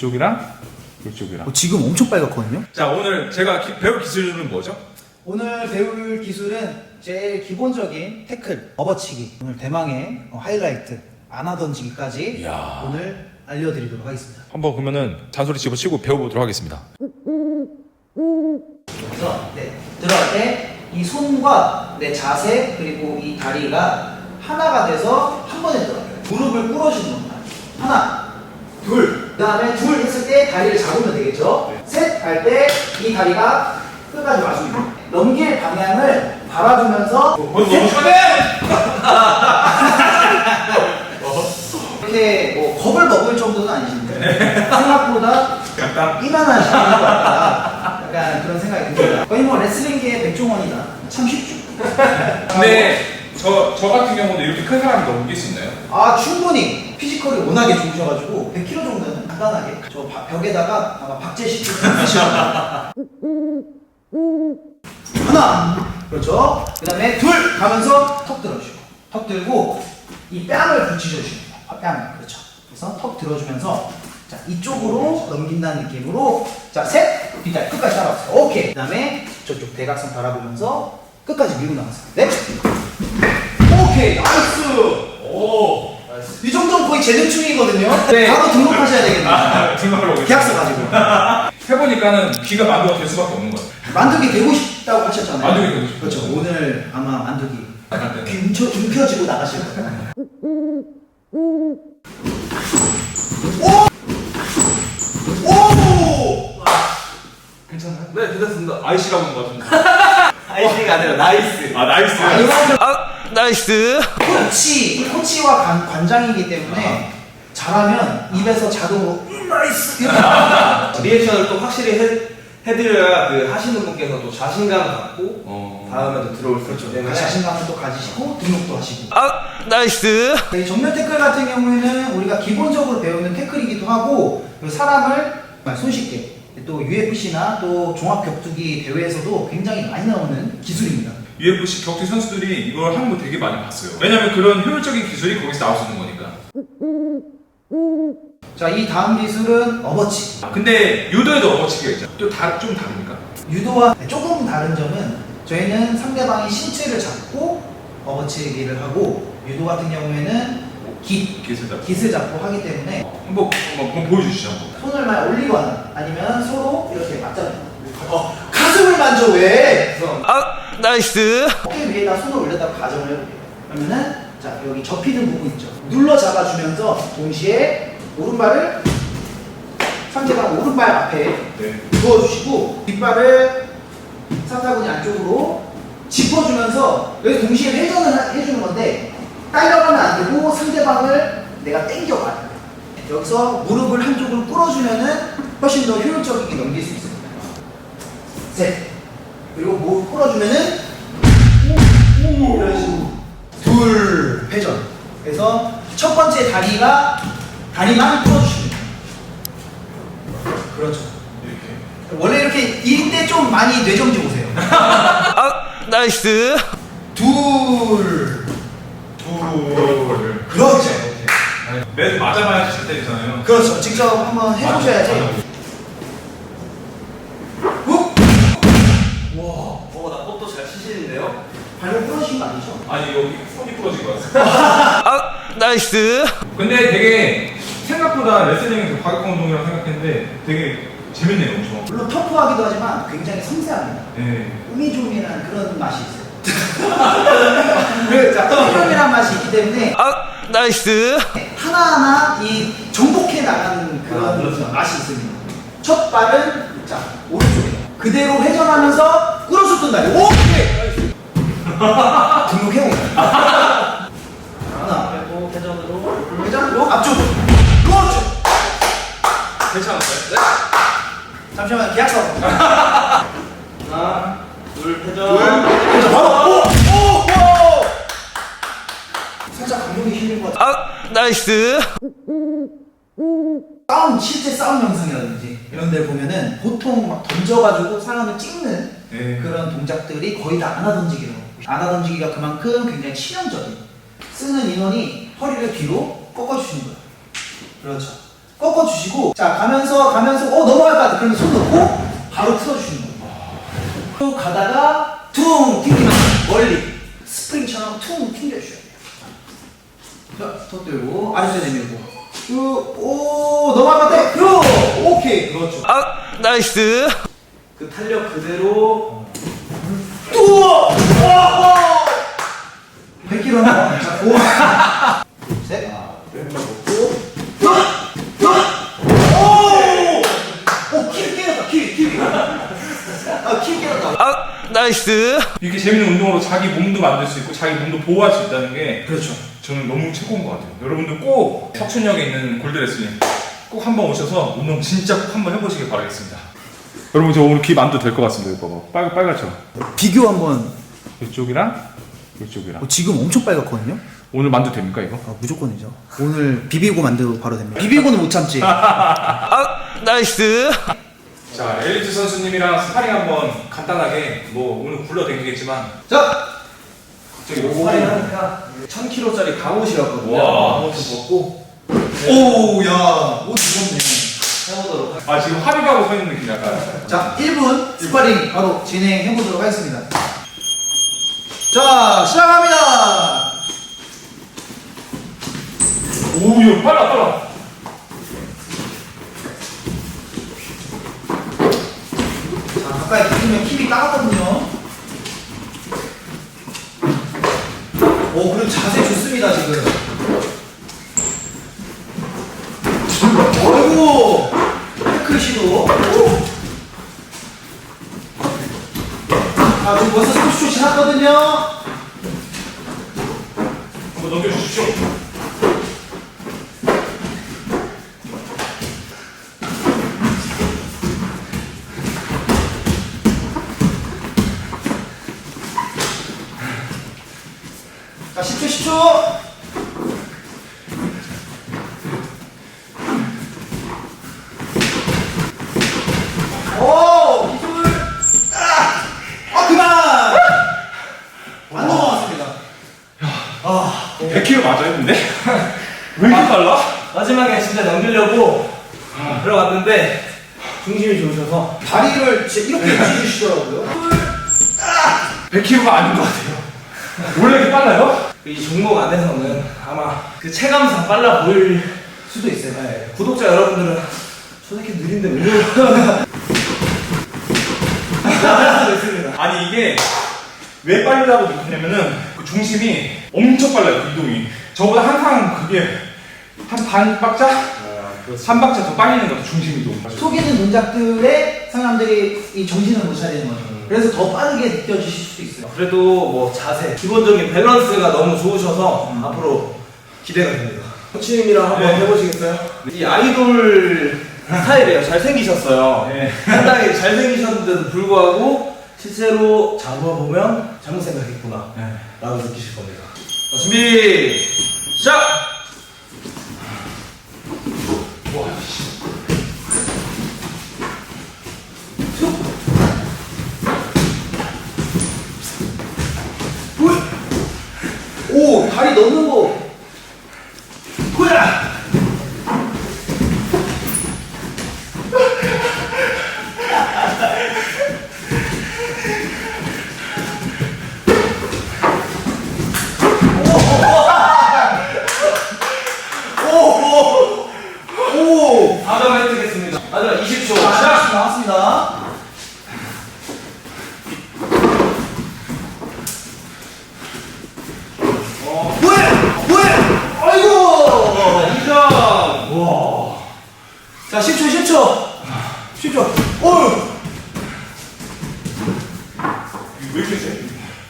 이쪽이랑 이쪽이랑. 지금 엄청 빨갛거든요. 자, 오늘 제가 배울 기술은 뭐죠? 오늘 배울 기술은 제일 기본적인 태클, 업어치기. 오늘 대망의 하이라이트, 안아 던지기까지 이야. 오늘 알려드리도록 하겠습니다. 한번 그러면은 잔소리 집어치고 배워보도록 하겠습니다. 그래서 들어갈 때 이 손과 내 자세 그리고 이 다리가 하나가 돼서 한 번에 들어가요. 무릎을 꿇어주는 겁니다. 하나, 둘. 그 다음에 둘 했을 때 다리를 잡으면 되겠죠. 셋 할 때 이 다리가 끝까지 와주고 넘길 방향을 바라보면서 너무 편해! 이렇게 뭐 겁을 먹을 정도는 아니신데 생각보다 약간 이만하신 것 같다. 약간 그런 생각이 듭니다. 거의 뭐 레슬링계의 백종원이다. 참 쉽죠. 근데 저 같은 경우도 이렇게 큰 사람이 넘길 수 있나요? 아 충분히 피지컬이 워낙에 좋으셔가지고 100kg 정도는 간단하게 저 벽에다가 아마 박제시키고 쓰시거든요. 하나 그렇죠. 그 다음에 둘 가면서 턱 들어주시고 턱 들고 이 뺨을 붙이셔주시면 돼요. 뺨을 그렇죠. 그래서 턱 들어주면서 자 이쪽으로 넘긴다는 느낌으로 자셋 뒷다리 끝까지 따라오세요. 오케이. 그 다음에 저쪽 대각선 바라보면서 끝까지 밀고 나가세요. 넷 오케이 나이스. 오! 이 정도면 거의 재능충이거든요. 네. 바로 등록하셔야 되겠네요. 등록하러 계약서 가지고. 해보니까는 귀가 만두가 될 수밖에 없는 거예요. 만두기 되고 싶다고 하셨잖아요. 만두기 되고 싶어요. 그렇죠. 오늘 아마 만두기 약간 귀 움켜쥐고 나가실 거예요. 오! 괜찮아요? 네, 괜찮습니다. 아이씨라고 하는 것 같은데. 아이씨가 아니라 나이스. 아, 나이스. 나이스. 이 코치와 관장이기 때문에 잘하면 입에서 자동으로 나이스 이렇게 리액션을 또 확실히 해드려야 그 하시는 분께서 또 자신감 갖고 다음에도 들어올 수 있기 때문에 자신감을 또 가지시고 등록도 하시고. 나이스. 이 정면 태클 같은 경우에는 우리가 기본적으로 배우는 태클이기도 하고 사람을 손쉽게 또 UFC나 또 종합격투기 대회에서도 굉장히 많이 나오는 기술입니다. UFC 격투 선수들이 이걸 하는 거 되게 많이 봤어요. 왜냐면 그런 효율적인 기술이 거기서 나올 수 있는 거니까. 자, 이 다음 기술은 업어치. 근데 유도에도 업어치기가 있잖아. 좀 다릅니까? 유도와 조금 다른 점은 저희는 상대방의 신체를 잡고 업어치기를 하고 유도 같은 경우에는 깃을 잡고 하기 때문에 한번 보여주시죠. 손을 막 올리거나 아니면 서로 이렇게 맞잖아요. 가슴을 만져 왜? 나이스. 어깨 위에다 손을 올렸다가 가정을 해볼게요. 그러면은 자 여기 접히는 부분 있죠. 눌러 잡아주면서 동시에 오른발을 상대방 오른발 앞에 두어주시고 뒷발을 사타구니 안쪽으로 짚어주면서 여기 동시에 회전을 해주는 건데 딸려가면 안 되고 상대방을 내가 당겨가야 돼. 여기서 무릎을 한쪽으로 꿇어주면은 훨씬 더 효율적이게 넘길 수 있습니다. 셋. 그리고 무릎 꿇어주면은 이런 식으로 둘 회전. 그래서 첫 번째 다리만 꿇어주시면 돼요. 그렇죠. 이렇게. 원래 이렇게 이때 좀 많이 뇌정지 오세요. 나이스. 둘. 둘. 그렇죠. 매주 맞아봐야지 잘 때리잖아요. 그렇죠. 직접 한번 해보셔야지. 훅! 와, 나 꽃도 잘 치시는데요? 발목 부러진 거 아니죠? 아니 여기 손이 부러진 것 같아. 나이스. 근데 되게 생각보다 레슬링은 되게 과격한 운동이라고 생각했는데 되게 재밌네요, 엄청. 물론 터프하기도 하지만 굉장히 섬세합니다. 네. 우미조미한 그런 맛이 있어요. 자, 우미조미한 맛이 있기 때문에 나이스. 하나하나 이 정복해 나가는 그런 맛이 있습니다. 첫 발은 자 오른쪽에 그대로 회전하면서 끌어서 뜬다리. 오케이. 등록해옵니다. 하나 그리고 회전으로. 회전으로 앞쪽으로. 그렇죠. 괜찮았어요? 네. 잠시만 계약서. 하나, 둘, 회전. 그래서 바로 오! 살짝 감독이 힘든 것 같아. 나이스. 실제 싸움 영상이라든지 이런 데 보면은 보통 막 던져가지고 사람을 찍는 그런 동작들이 거의 다 안아 던지기라고. 안아 던지기가 그만큼 굉장히 치명적인. 쓰는 인원이 허리를 뒤로 꺾어주시는 거예요. 그렇죠. 꺾어주시고, 자, 가면서, 넘어갈 것 같아. 그러면 손 놓고, 바로 틀어주시는 거예요. 쭉 가다가, 퉁! 튕기면서, 멀리. 스프링처럼 퉁! 튕겨주셔야 돼요. 자, 더 들고, 아래쪽에 내밀고. 쭉, 오, 넘어갈 것 같아. 오케이. 그렇죠. 아, 나이스. 그 탄력 그대로. 또! 100kg 한 자, 고. 셋. 오! 키 깨졌다, 키. 아, 키 깨졌다. 아, 나이스. 이렇게 재밌는 운동으로 자기 몸도 만들 수 있고 자기 몸도 보호할 수 있다는 게 그렇죠. 저는 너무 최고인 것 같아요. 여러분들 꼭 석촌역에 있는 골드레슬링 꼭 한번 오셔서 운동 진짜 꼭 한번 해보시길 바라겠습니다. 여러분 저 오늘 귀 만도 될 것 같습니다. 이거 봐봐. 빨갛죠? 비교 한번. 이쪽이랑 이쪽이랑. 지금 엄청 빨갛거든요? 오늘 만도 됩니까 이거? 아, 무조건이죠. 오늘 비비고 만들고 바로 됩니다. 비비고는 못 참지. 아, 나이스. 자, 엘리트 선수님이랑 스파링 한번 간단하게 뭐 오늘 굴러다니겠지만 자! 저기 스파링 하니까 1000kg짜리 갑옷이었거든요. 와. 갑옷 벗고 오, 야, 옷 무겁네. 해보도록 하겠습니다. 아 지금 합의하고 서 있는 느낌 약간. 자, 1분 스파링 바로 진행해보도록 하겠습니다. 자, 시작합니다! 오, 이거 빨라. 자, 가까이 붙으면 힙이 따갑거든요. 오, 그리고 자세 좋습니다, 지금. 어이구! 태클 시도. 아, 지금 벌써 30초 지났거든요. 한번 넘겨주십시오. 자, 10초. 오, 기술. 그만. 안 넘어갔습니다. 100kg 맞아요, 근데? 왜 이렇게 빨라? 마지막에 진짜 넘기려고 들어갔는데 중심이 좋으셔서 다리를 진짜 이렇게 찢으시더라고요. 100kg가 아닌 것 같아요. 원래 이렇게 빨라요? 이 종목 안에서는 아마 그 체감상 빨라 보일 수도 있어요. 네, 구독자 여러분들은 저 새끼 느린데 왜 이러나 있습니다. 아니 이게 왜 빠르다고 느끼냐면은 그 중심이 엄청 빨라요, 그 이동이. 저보다 항상 그게 한 반 박자? 한 박자 더 빨리는 거죠, 중심 이동. 속이는 동작들에 사람들이 이 정신을 못 차리는 거죠. 그래서 더 빠르게 느껴지실 수도 있어요. 그래도 뭐 자세, 기본적인 밸런스가 너무 좋으셔서 앞으로 기대가 됩니다. 코치님이랑 한번 네. 해보시겠어요? 이 아이돌 스타일이에요. 잘생기셨어요. 네. 상당히 잘생기셨는데도 불구하고 실제로 잡아보면 잘못 생각했구나 네. 라고 느끼실 겁니다. 자, 준비 시작! 와, 씨. 오, 다리 넣는 거. 후야! 오! 4점 획득했습니다. 마지막 20초 자, 시작! 나왔습니다. 뭐야? 아이고! 2점! 와. 자, 10초. 10초. 오! 왜 이렇게 세?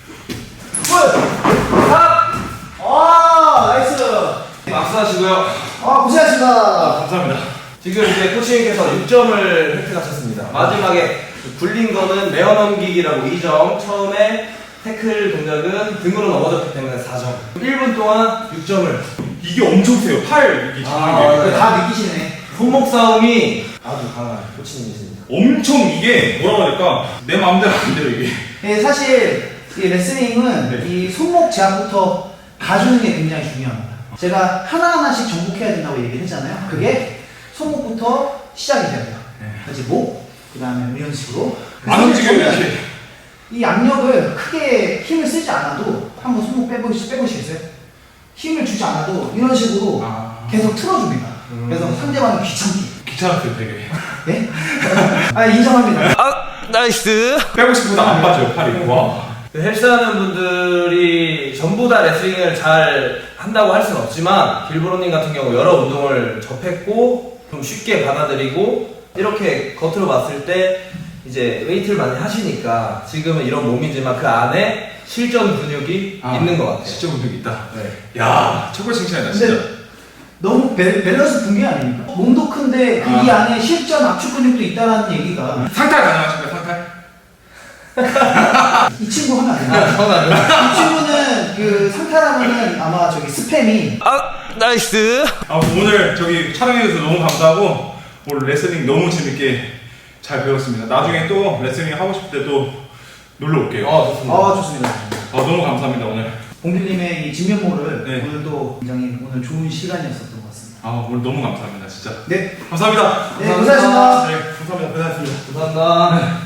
아, 나이스. 박수 하시고요. 아, 고생하셨습니다. 감사합니다. 지금 이제 코치님께서 6점을 획득하셨습니다. 마지막에 굴린 거는 메어 넘기기라고 2점, 처음에 태클 동작은 등으로 넘어졌기 때문에 4점. 1분 동안 6점을. 이게 엄청 세요. 팔 이게 잡는 게. 다 느끼시네. 손목 싸움이 아주 강한 코치님이십니다. 엄청 이게 뭐라고 해야 될까? 내 마음대로 안 돼요, 이게. 네, 사실 이 레슬링은 네. 이 손목 제압부터 가주는 게 굉장히 중요합니다. 제가 하나하나씩 정복해야 된다고 얘기를 했잖아요. 그게 손목부터 시작이 돼야 돼요. 네. 그렇지, 목, 그 다음에 이런 식으로. 안 움직여요, 이렇게. 이 압력을 크게 힘을 쓰지 않아도 한번 손목 빼보시겠어요? 힘을 주지 않아도 이런 식으로 계속 틀어줍니다. 그래서 상대방이 귀찮게. 귀찮았어요, 되게. 네? 아, 인정합니다. 나이스. 빼고 싶어도 안 빠져요, 팔이. 와. 헬스하는 분들이 전부 다 레슬링을 잘 한다고 할 수는 없지만 길브로님 같은 경우 여러 운동을 접했고 좀 쉽게 받아들이고 이렇게 겉으로 봤을 때 이제 웨이트를 많이 하시니까 지금은 이런 몸이지만 그 안에 실전 근육이 있는 것 같아요. 실전 근육이 있다. 네. 야, 최고 칭찬이다, 진짜. 근데 너무 밸런스 붕괴 아닙니까? 몸도 큰데 그 이 안에 실전 압축 근육도 있다는 얘기가 상탈 가능하신가요, 상탈? 이 친구 하면 안 돼요. 이 친구는 그 상탈하면은 아마 저기 스팸이 나이스. 오늘 저기 촬영해주셔서 너무 감사하고 오늘 레슬링 너무 재밌게 잘 배웠습니다. 나중에 또 레슬링 하고 싶을 때 또 놀러 올게요. 좋습니다. 좋습니다. 너무 감사합니다, 오늘. 봉규님의 이 진면모를 네. 오늘도 굉장히 오늘 좋은 시간이었었던 것 같습니다. 오늘 너무 감사합니다, 진짜. 네, 감사합니다. 네, 감사합니다. 네, 감사합니다. 고생하셨습니다. 감사합니다.